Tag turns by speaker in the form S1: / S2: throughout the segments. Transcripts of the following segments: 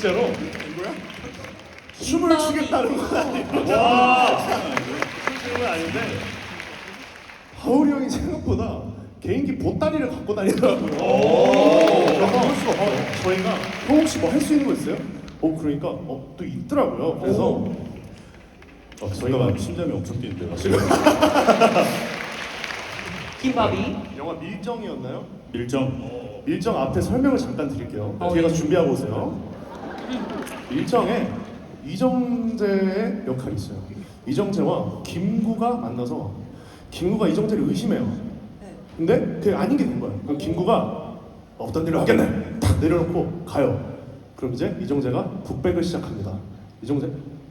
S1: 진짜로?
S2: 춤을 추겠다는 건 아니고.
S1: 와, 춤추는 건 아닌데.
S2: 하울이 형이 생각보다 개인기 보따리를 갖고 다니더라고요. 그래서 저희가 형 혹시 뭐 할 수 있는 거 있어요? 그러니까 또 있더라고요. 그래서
S3: 저희가 심장이 엄청 뛰는데요. 지금
S4: 김밥이.
S2: 영화 밀정이었나요?
S3: 밀정.
S2: 밀정 앞에 설명을 잠깐 드릴게요. 뒤에 가서
S4: 예.
S2: 준비하고 오세요. 밀정에 이정재의 역할이 있어요. 이정재와 김구가 만나서 김구가 이정재를 의심해요. 근데 그게 아닌 게 된 거예요. 그럼 김구가 없던 일을 하겠네. 탁 내려놓고 가요. 그럼 이제 이정재가 북백을 시작합니다. 이정재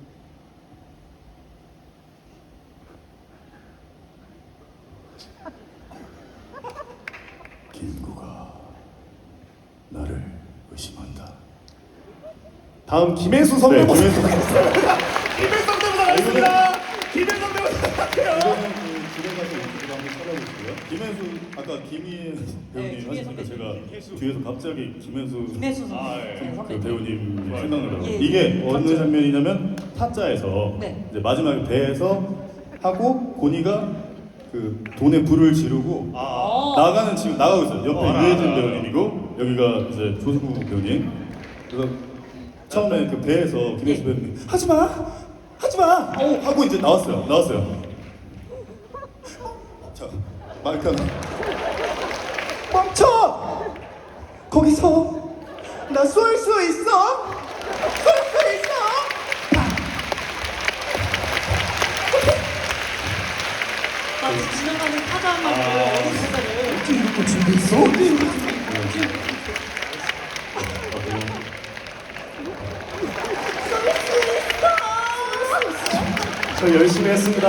S3: 김구가 나를 의심한다.
S2: 다음 김혜수 성대모사.
S3: 네, 김혜수.
S2: 김혜수 성대모사 가겠습니다. 김혜수 성대모사 할게요.
S3: 이거는 그 집에 가서 유튜브 한번 찾아보시고요. 김혜수 아까 김희 배우님
S4: 김희
S3: 하시니까
S4: 선배님.
S3: 제가 뒤에서 갑자기 김혜수
S4: 김혜수 선수.
S1: 예.
S3: 그 배우님 생각나요.
S4: 예.
S3: 이게 어느 장면이냐면 타짜에서
S4: 네.
S3: 이제 마지막에 배에서 하고 고니가 그 돈에 불을 지르고 나가는 지금 나가고 있어요. 옆에
S1: 알아,
S3: 유해진
S1: 알아,
S3: 배우님이고 여기가 이제 조수구 배우님. 그래서 처음에 그 배에서 김혜수 배우님 하지마 하고 이제 나왔어요. 자 마이크 하나.
S2: 멈춰! 거기서 나 쏠 수 있어? 쏠 수 있어?
S4: 마치 지나가는 타자만 어린 타자를.
S2: 어떻게 이런 거 준비했어? 저 열심히 했습니다.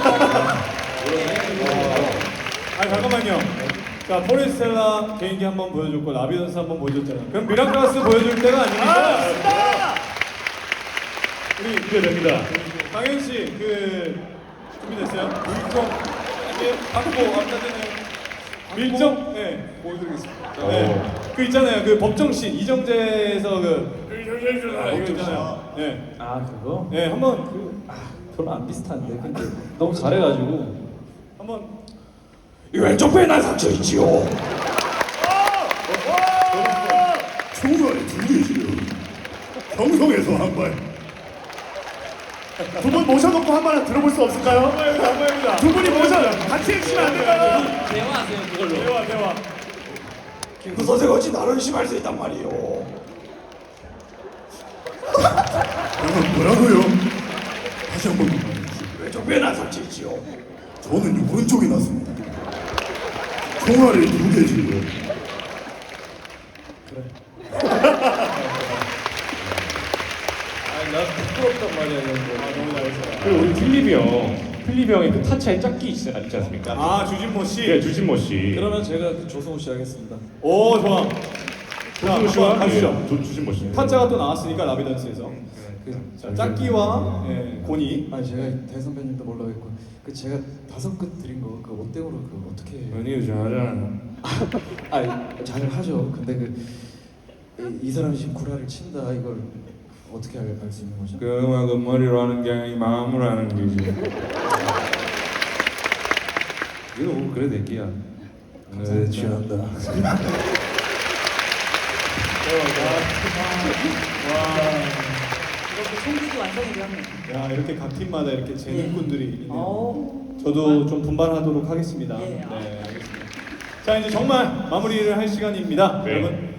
S5: 아니 잠깐만요. 자 포레스텔라 개인기 한번 보여줬고 라비던스 한번 보여줬잖아요. 그럼 미라클라스 보여줄 때가 아닙니까? 우리
S1: 기대됩니다.
S5: 강현 씨 그 준비됐어요? 밀정 이게 받고 아까 전에 밀정 네 보여드리겠습니다. 네. 그 있잖아요. 그 법정씬 이정재에서 이거 있잖아요. 네.
S6: 아 그거?
S5: 네 한번
S6: 별로 안 비슷한데 근데 너무 잘해가지고
S5: 한번
S6: 이 왼쪽 배에 난 상처 있지요.
S3: 총알이 두 개지요. 경성에서 한 발.
S2: 두 분 모셔놓고 한 번 들어볼 수 없을까요?
S5: 한번입니다.
S2: 두 분이 모셔 같이 해주시면 안 될까요?
S4: 대화하세요 그걸로.
S5: 대화.
S6: 김구 선생 어찌 나를 의심할 수 있단 말이오.
S3: 뭐라고요? 다시 한 번만 말해주세요.
S6: 왼쪽 배에 난 상처 있지요.
S3: 저는 오른쪽이 났습니다. 총알이 두 개지요.
S5: 아니 나 부끄럽단 말이야 이런 거. 너무 잘했어.
S1: 그리고 우리 필립이 형의 그 타짜의 짝기 있지 않습니까?
S5: 아 주진모 씨.
S1: 네, 주진모 씨.
S6: 그러면 제가 그 조성우 씨 하겠습니다.
S5: 오 좋아.
S1: 조진모 씨와
S5: 가시죠.
S1: 주진모 씨.
S5: 타짜가 또 나왔으니까 라비던스에서. 자 짝기와 고니.
S6: 아니 제가 대선배님도 몰라겠고 그 제가 5끝 드린 거 그 옷대으로 그 어떻게 해요?
S1: 연희 잘하잖아.
S6: 아니 잘 하죠. 근데 이 사람이 지금 구라를 친다 이걸 어떻게 알 수 있는 거죠?
S1: 그 음악은 머리로 하는 게 아니라 마음으로 하는 거지. 이거 뭐 그래 내기야. 네, 취한다.
S4: 이렇게 총기도 완성이 되었네요.
S5: 야 이렇게 각 팀마다 이렇게 재능꾼들이 있네요.
S4: 오.
S5: 저도 좀 분발하도록 하겠습니다.
S4: 예.
S5: 네 알겠습니다. 자 이제 정말 마무리를 할 시간입니다.
S1: 네.
S5: 여러분.